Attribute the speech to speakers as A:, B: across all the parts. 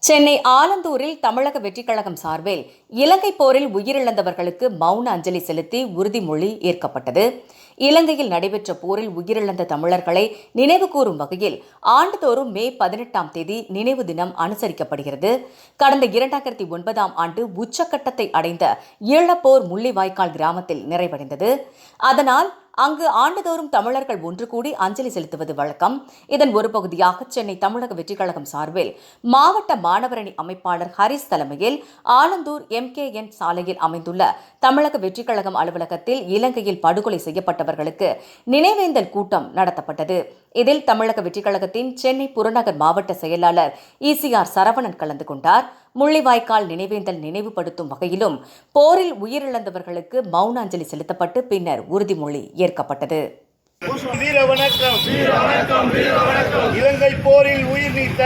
A: சென்னை ஆலந்தூரில் தமிழக வெற்றிக் கழகம் சார்பில் இலங்கை போரில் உயிரிழந்தவர்களுக்கு மௌன அஞ்சலி செலுத்தி உறுதிமொழி ஏற்கப்பட்டது. இலங்கையில் நடைபெற்ற போரில் உயிரிழந்த தமிழர்களை நினைவுகூரும் வகையில் ஆண்டுதோறும் மே 18ஆம் தேதி நினைவு தினம் அனுசரிக்கப்படுகிறது. கடந்த 2009ஆம் ஆண்டு உச்சக்கட்டத்தை அடைந்த ஈழப்போர் முள்ளிவாய்க்கால் கிராமத்தில் நிறைவடைந்தது. அதனால் அங்கு ஆண்டுதோறும் தமிழர்கள் ஒன்று கூடி அஞ்சலி செலுத்துவது வழக்கம். இதன் ஒரு பகுதியாக சென்னை தமிழக வெற்றிக் கழகம் சார்பில் மாவட்ட மாணவரணி அமைப்பாளர் ஹரிஸ் தலைமையில் ஆலந்தூர் MKN சாலையில் அமைந்துள்ள தமிழக வெற்றிக் கழகம் அலுவலகத்தில் இலங்கையில் படுகொலை செய்யப்பட்டவர்களுக்கு நினைவேந்தல் கூட்டம் நடத்தப்பட்டது. இதில் தமிழக வெற்றிக் கழகத்தின் சென்னை புறநகர் மாவட்ட செயலாளர் ECR சரவணன் கலந்து கொண்டார். முள்ளிவாய்க்கால் நினைவேந்தல் நினைவுபடுத்தும் வகையிலும் போரில் உயிரிழந்தவர்களுக்கு மௌன அஞ்சலி செலுத்தப்பட்டு பின்னர் உறுதிமொழி ஏற்கப்பட்டது.
B: வீர வணக்கம். இலங்கை போரில் உயிர் நீத்த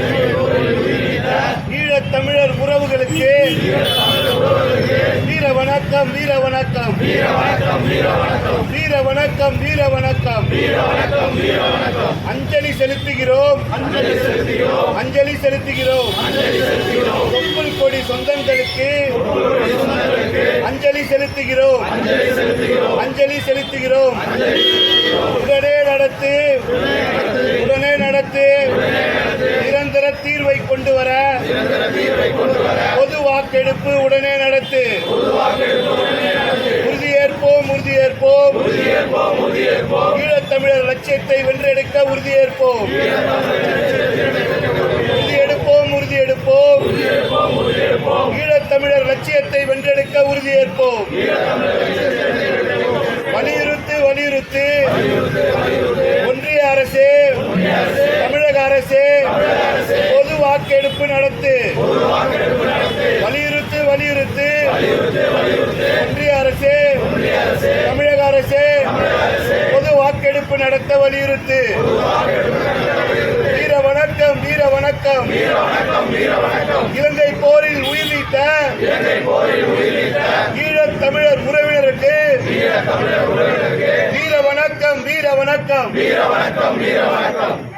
B: ஈழத் தமிழர் உறவுகளுக்கு வீர வணக்கம். வீர வணக்கம். வீர வணக்கம். வீர வணக்கம். அஞ்சலி செலுத்துகிறோம். அஞ்சலி செலுத்துகிறோம். தொப்புள் கொடி சொந்தங்களுக்கு அஞ்சலி செலுத்துகிறோம். அஞ்சலி செலுத்துகிறோம். உடனே நடத்து. உடனே நடத்து. நிரந்தர தீர்வை கொண்டு வர பொது வாக்கெடுப்பு உடனே நடத்து. உறுதியேற்போம். உறுதியேற்போம். ஈழத்தமிழர் லட்சியத்தை வென்றெடுக்க உறுதியேற்போம். உறுதியெடுப்போம். உறுதியெடுப்போம். ஈழத்தமிழர் லட்சியத்தை வென்றெடுக்க உறுதியேற்போம். வலியுறுத்து. வலியுறுத்து. ஒன்றிய அரசு, தமிழக அரசு பொது வாக்கெடுப்பு நடத்து. வலியுறுத்து. வலியுறுத்து. ஒன்றிய அரசு, தமிழக அரசு பொது வாக்கெடுப்பு நடத்த வலியுறுத்து. வீர வணக்கம். வீர வணக்கம். இலங்கை போரில் உயிர் நீத்த ஈழத் தமிழர் உறவினருக்கு வீர வணக்கம். வீர வணக்கம்.